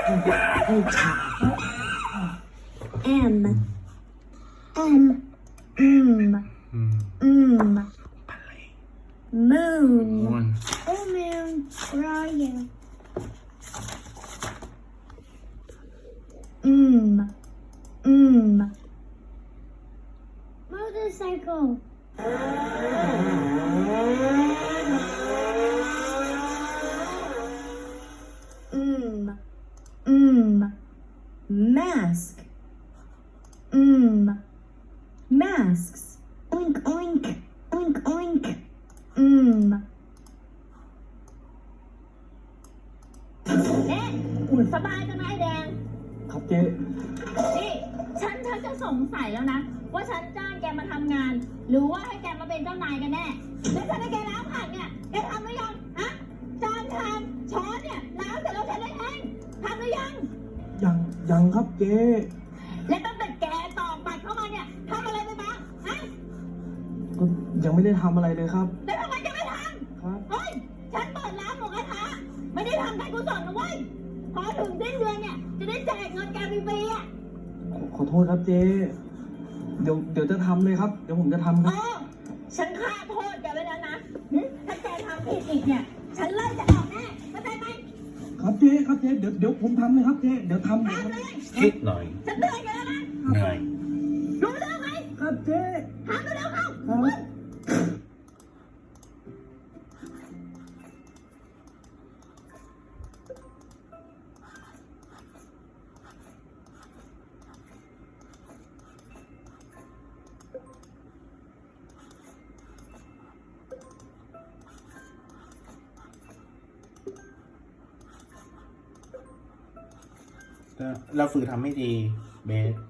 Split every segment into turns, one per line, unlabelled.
M M Moon. Oh moon, where are you? Motorcycle. Mask. Masks. Oink oink. Oink oink.
เอ๊ะสบายจังนะไอ้แดง
ครับเจ๊
นี่ฉันจะสงสัยแล้วนะ ว่าฉันจ้างแกมาทำงาน หรือว่าให้แกมาเป็นเจ้านายกันแน่แล้วฉันให้แกล้างผักเนี่ยแกทำหรือยังฮะจานชามช้อนเนี่ยล้างเสร็จแล้วฉันได้เองทำหรือยัง
ยังครับเจ๊
และตั้งแต่แกตอกบัตรเข้ามาเนี่ยทำอะไรไปบ้างฮะ
ก็ยังไม่ได้ทำอะไรเลยครับ
แล้วทำไมแกไม่ท
ครับ
ำเฮ้ยฉันเปิดร้านหมูกระทะไม่ได้ทำการกุศลนะเว้ยพอถึงสิ้นเดือนเนี่ยจะได้แจกเงินแกฟรีๆอ่ะ
ขอโทษครับเจ๊เดี๋ยวจะทำเลยครับ เดี๋ยวผมจะทำค
เอ
รับ
อฉันฆ่าโทษแกไว้แล้วนะถ้าแกทำผิดอีกเนี่ย ฉันไล่จะออกแน่เข้าใจไหม
ครับเจ๊ครับเจ๊เดี๋ยวผมทำเลยครับเจ๊เดี๋ยวทำเลยครับ
ทำเลย
คิดหน่อย
ฉันเตือนแกแล้วนะ
เหนื่อย
รู้เรื่องไหม
ครับเจ๊
ทำเร็วๆเข้า
ครับ
เราฝึกทำไม่ดีเบส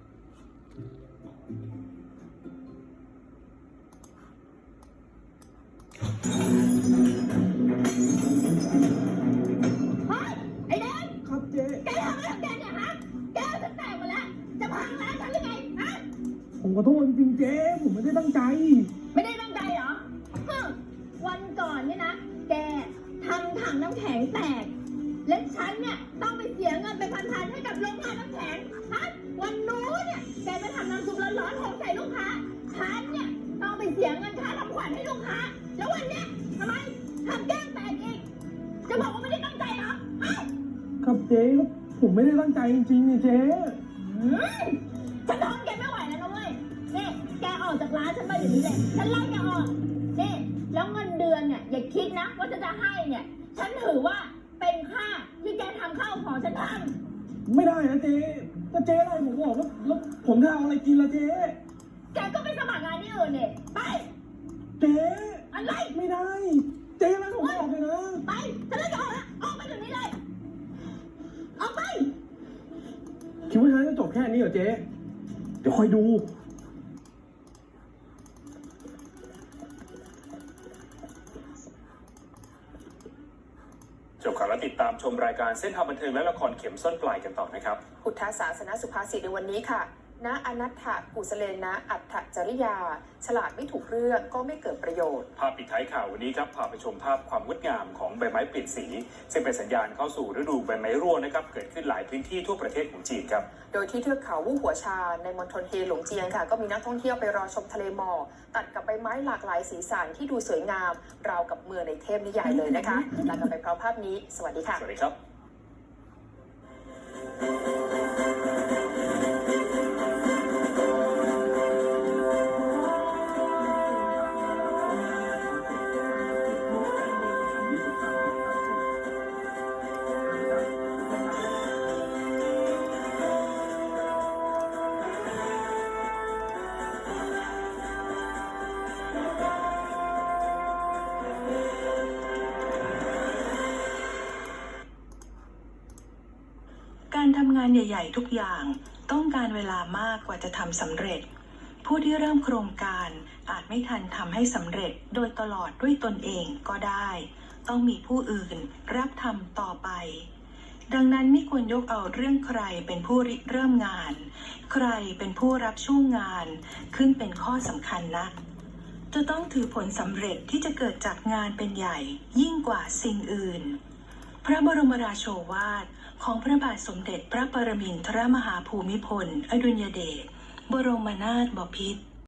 เฮ้ยไอ้แดง
ครับเจ๊
แกทำอะไรของแกเนี่ยฮะแกจะแตกหมดแล้วจะพังร้านฉันหรือไงฮะ
ผมขอโทษจริงๆเจ๊ผมไม่ได้ตั้งใจ
ไม่ได้ตั้งใจเหรอวันก่อนเนี่ยนะ แกทำถังน้ำแข็งแตก และฉันเนี่ยต้องไปเสียเงินไปพันๆให้กับโรงงานน้ำแข็งฮะวันนู้นเนี่ยแกไปทำน้ำซุปร้อนๆหกใส่ลูกค้า ฉันเนี่ยต้องไปเสียเงินค่าทำขวัญให้ลูกค้า แล้ววันเนี้ยทำไมทำแก้มแตกอีก จะบอกว่าไม่ได้ตั้งใจเหรอฮะ
ครับเจ๊ผมไม่ได้ตั้งใจจริงๆนี่เจ๊
ฉันทนแกไม่ไหวแล้วนะเว้ยนี่แกออกจากร้านฉันไปอย่างนี้เลยฉันไล่แกออกนี่แล้วเงินเดือนเนี่ยอย่าคิดนะว่าจะให้เนี่ย ฉันถือว่าเป็นค่าที่แกทำข้าวของฉันท
ไม่ได้นะเจ๊ถ้าเจ๊ไล่ผมออกแล้วผมจะเอาอะไรกินล่ะเจ๊
ำแกก็ไปสมัครงานที่อื่นเนี่ยไป
เจ๊
อะไร
ไม่ได้ เจ๊ไล่ผมออกเลยนะ
ไปฉันไล่แกออกแล้วออกไปเดี๋ยวนี้เลยออกไป
คิดว่าฉันจะจบแค่นี้เหรอเจ๊เดี๋ยวคอยดู
จบข่าวแล้วติดตามชมรายการเส้นทางบันเทิงและละครเข็มส้นปลายกันต่อนะครับ
พุทธศาสนสุภาษิตในวันนี้ค่ะณอนัตถกุสเลนะอัตถจริยา ฉลาดไม่ถูกเรื่องก็ไม่เกิดประโยชน์
ภาพปิดท้ายข่าววันนี้ครับพาไปชมภาพความงดงามของใบไม้เปลี่ยนสีซึ่งเป็นสัญญาณเข้าสู่ฤดูใบไม้ร่วงนะครับเกิดขึ้นหลายพื้นที่ทั่วประเทศของจีนครับ
โดยที่เทือกเขาวู่หัวชาในมณฑลเฮหลงเจียงค่ะก็มีนักท่องเที่ยวไปรอชมทะเลหมอกตัดกับใบไม้หลากหลายสีสันที่ดูสวยงามราวกับเมืองในเทพนิยายเลยนะคะลากันไปพร้อมภาพนี้สวัสดีค่ะ
สวัสดีครับ
การทำงานใหญ่ๆทุกอย่างต้องการเวลามากกว่าจะทำสำเร็จ ผู้ที่เริ่มโครงการอาจไม่ทันทำให้สำเร็จโดยตลอดด้วยตนเองก็ได้ ต้องมีผู้อื่นรับทำต่อไป ดังนั้นไม่ควรยกเอาเรื่องใครเป็นผู้ริเริ่มงาน ใครเป็นผู้รับช่วงงานขึ้นเป็นข้อสำคัญนัก จะต้องถือผลสำเร็จที่จะเกิดจากงานเป็นใหญ่ยิ่งกว่าสิ่งอื่น พระบรมราโชวาทของพระบาทสมเด็จพระปรมินทรมหาภูมิพลอดุลยเดชบรมนาถบพิตร